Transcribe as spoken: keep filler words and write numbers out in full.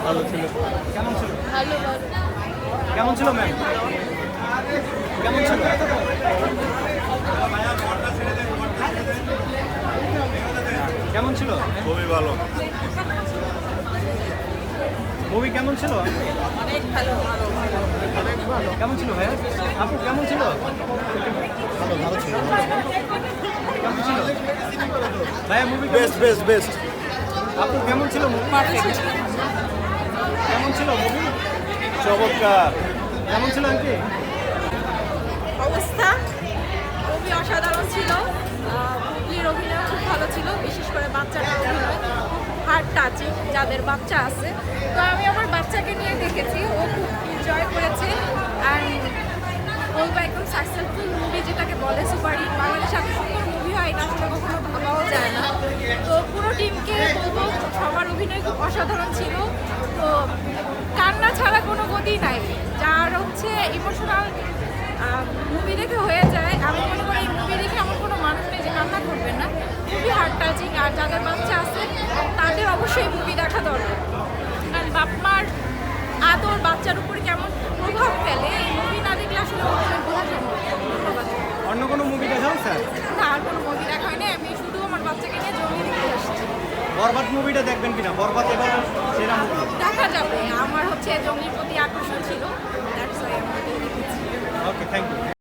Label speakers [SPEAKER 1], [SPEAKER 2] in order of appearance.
[SPEAKER 1] ভালো ছিল।
[SPEAKER 2] কেমন ছিল?
[SPEAKER 3] ভালো ভালো
[SPEAKER 2] কেমন ছিল ম্যাম? কেমন ছিল? কেমন ছিল?
[SPEAKER 1] খুবই ভালো।
[SPEAKER 2] মুভি কেমন ছিল?
[SPEAKER 3] অনেক ভালো ভালো
[SPEAKER 2] অনেক ভালো। কেমন ছিল ভাইয়া? আপু কেমন ছিল?
[SPEAKER 1] ভালো ভালো ছিল।
[SPEAKER 2] কেমন ছিল ভাইয়া মুভি?
[SPEAKER 1] Best best best.
[SPEAKER 2] আপু কেমন ছিল মুভি?
[SPEAKER 3] পারফেক্ট
[SPEAKER 2] কেমন ছিল মুভি?
[SPEAKER 1] চমৎকার।
[SPEAKER 2] কেমন ছিল আন্টি?
[SPEAKER 3] অবস্থা খুবই অসাধারণ ছিল। বুবলির অভিনয় খুব ভালো ছিল, বিশেষ করে বাচ্চাটার অভিনয় হার্ট টাচিং, যাদের বাচ্চা আছে। তো আমি আমার বাচ্চাকে নিয়ে দেখেছি, ও খুব এনজয় করেছে। অ্যান্ড বলবো একদম সাকসেসফুল মুভি, যেটাকে বলে সুপারহিট। বাংলাদেশে এত সুন্দর মুভি হয় এটা আসলে কখনো ভাবাও যায় না। তো পুরো টিমকে বলবো সবার অভিনয় খুব অসাধারণ ছিল। তো কান্না ছাড়া কোনো গতি নাই, যার হচ্ছে ইমোশনাল মুভি দেখে হয়ে যায়। আমি মনে করি এই মুভি দেখে এমন কোনো মানুষ নেই যে কান্না করবে না। খুবই হার্ট টাচিং, আর যাদের বাচ্চা আছে তাদের অবশ্যই মুভি দেখা দরকার। কারণ বাপ মার আদর বাচ্চার উপর কেমন প্রভাব ফেলে এই মুভি না দেখলে আসলে ওদের বোঝা সম্ভব না। ধন্যবাদ।
[SPEAKER 2] অন্য কোনো মুভি দেখাও স্যার?
[SPEAKER 3] না, আর কোনো মুভি দেখা হয়নি, আমি শুধু আমার বাচ্চাকে নিয়ে জমি দেখতে আসছি।
[SPEAKER 2] বরবাদ মুভিটা দেখবেন কিনা? বরবাদ এবার সেরা মুভি।
[SPEAKER 3] দেখা যাবে, আমার হচ্ছে জমির প্রতি আকর্ষণ ছিল, দ্যাটস ওয়াই আমি দেখেছি।
[SPEAKER 2] Okay, thank you.